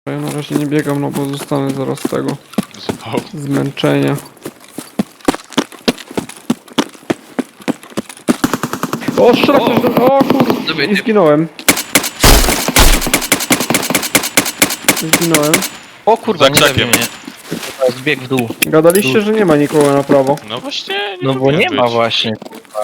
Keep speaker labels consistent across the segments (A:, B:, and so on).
A: Ja na razie nie biegam, no bo zostanę zaraz z tego
B: Zwał.
A: zmęczenia. O, strzela ktoś do... O kurde,
C: Dobry
A: i
C: typ.
A: zginąłem. Zginąłem.
C: O kurwa,
B: Za
C: nie zabij
B: krzakiem.
C: mnie. Zbieg w dół.
A: Gadaliście, że nie ma nikogo na prawo.
B: No właśnie, nie
C: No bo
B: powinien
C: nie ma
B: być.
C: właśnie.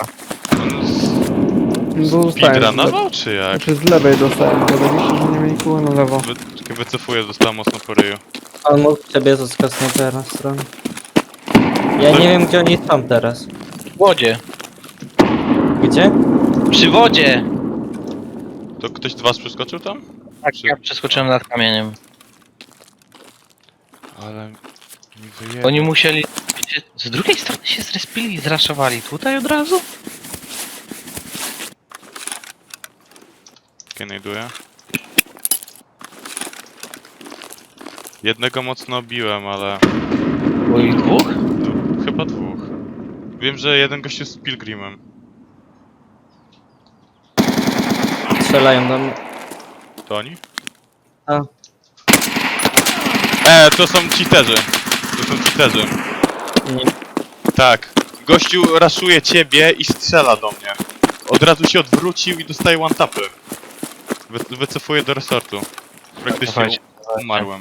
A: No to zostałem.
B: Speedrunował czy jak?
A: Znaczy z lewej dostałem. Gadaliście, że nie ma nikogo na lewo.
B: Wycofuję, dostałem mocno po ryju.
D: On mógł ciebie zaskasnąć teraz stronę. Ja nie wiem gdzie oni są teraz.
C: W wodzie.
D: Gdzie?
C: Przy wodzie!
B: To ktoś z was przeskoczył tam?
C: Tak, ja przeskoczyłem nad kamieniem.
B: Ale... mi wyjebał.
C: Oni musieli... Wiecie, z drugiej strony się zrespili i zraszowali tutaj od razu?
B: Znajduję. Jednego mocno biłem, ale...
C: Bo ich dwóch?
B: No, chyba dwóch. Wiem, że jeden gościu z Pilgrimem.
D: Strzelają do mnie.
B: To oni?
D: A.
B: To są cheaterzy. To są cheaterzy.
D: Nie.
B: Tak. Gościu raszuje ciebie i strzela do mnie. Od razu się odwrócił i dostaje one-tapy. Wycofuję do resortu. Praktycznie
C: Dawajcie,
B: umarłem.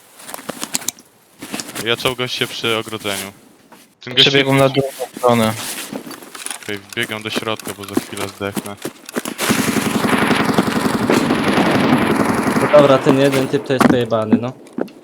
B: Ja czołgam się przy ogrodzeniu. Ten gościu...
C: Przebiegłem na drugą stronę.
B: Okej, wbiegam do środka, bo za chwilę zdechnę.
D: No dobra, ten jeden typ to jest pojebany, no.